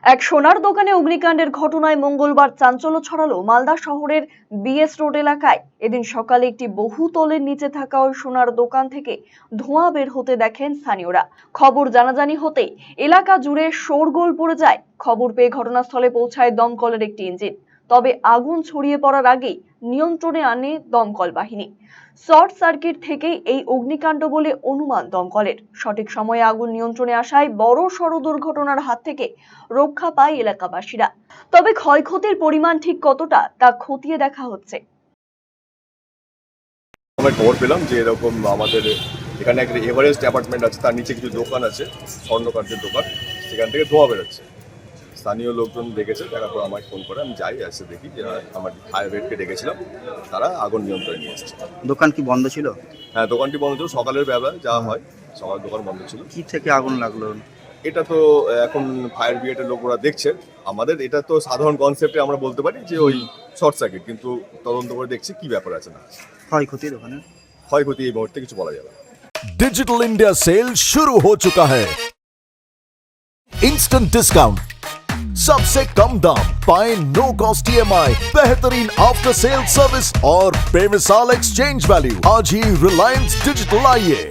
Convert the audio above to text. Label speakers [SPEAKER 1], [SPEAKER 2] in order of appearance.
[SPEAKER 1] এক সোনার দোকানে অগ্নিকাণ্ডের ঘটনায় মঙ্গলবার চাঞ্চল্য ছড়ালো মালদা শহরের বিএস রোড এলাকায়। এদিন সকালে একটি বহুতলের নিচে থাকা ওই সোনার দোকান থেকে ধোঁয়া বের হতে দেখেন স্থানীয়রা। খবর জানাজানি হতেই এলাকা জুড়ে শোরগোল পড়ে যায়। খবর পেয়ে ঘটনাস্থলে পৌঁছায় দমকলের একটি ইঞ্জিন। তবে আগুন ছড়িয়ে পড়ার আগেই নিয়ন্ত্রণে আনে দমকল বাহিনী। শর্ট সার্কিট থেকেই এই অগ্নিকাণ্ড বলে অনুমান দমকলের। সঠিক সময়ে আগুন নিয়ন্ত্রণে আসায় বড় সড় দুর্ঘটনার হাত থেকে রক্ষা পায় এলাকাবাসীরা। তবে ক্ষয়ক্ষতির পরিমাণ ঠিক কতটা তা খতিয়ে দেখা হচ্ছে।
[SPEAKER 2] আমরা খবর পেলাম যে এরকম আমাদের এখানে একটা এভারেস্ট অ্যাপার্টমেন্ট আছে, তার নিচে কিছু দোকান আছে, স্বর্ণকার্যের দোকান, সেখান থেকে ধোঁয়া বেরোচ্ছে। স্থানীয় লোকজন দেখেছে, দেখার পর আমাকে ফোন করে, আমি যাই, এসে দেখি যে আমার ফায়ার ব্রিগেডকে ডেকেছিলাম, তারা আগুন নিয়ন্ত্রণে নিয়ে এসেছে।
[SPEAKER 3] দোকান কি বন্ধ ছিল?
[SPEAKER 2] হ্যাঁ, দোকানটি বন্ধ ছিল, সকালের বেলা যা হয়, সকাল দোকান বন্ধ ছিল।
[SPEAKER 3] কি থেকে আগুন লাগলো?
[SPEAKER 2] এটা তো এখন ফায়ার ব্রিগেডের লোকরা দেখছে। আমাদের এটা তো সাধারণ কনসেপ্টে আমরা বলতে পারি যে ওই শর্ট সার্কিট, কিন্তু তদন্ত করে দেখছি কি ব্যাপার আছে না।
[SPEAKER 3] ক্ষয়ক্ষতি দোকানে?
[SPEAKER 2] ক্ষয়ক্ষতি এই মুহূর্তে কিছু বলা যাবে না।
[SPEAKER 4] डिजिटल इंडिया सेल शुरू हो चुका है। इंस्टेंट डिस्काउंट, सबसे कम दाम, पाएं नो कॉस्ट ईएमआई, बेहतरीन आफ्टर सेल सर्विस और बेमिसाल एक्सचेंज वैल्यू। आज ही रिलायंस डिजिटल आइए।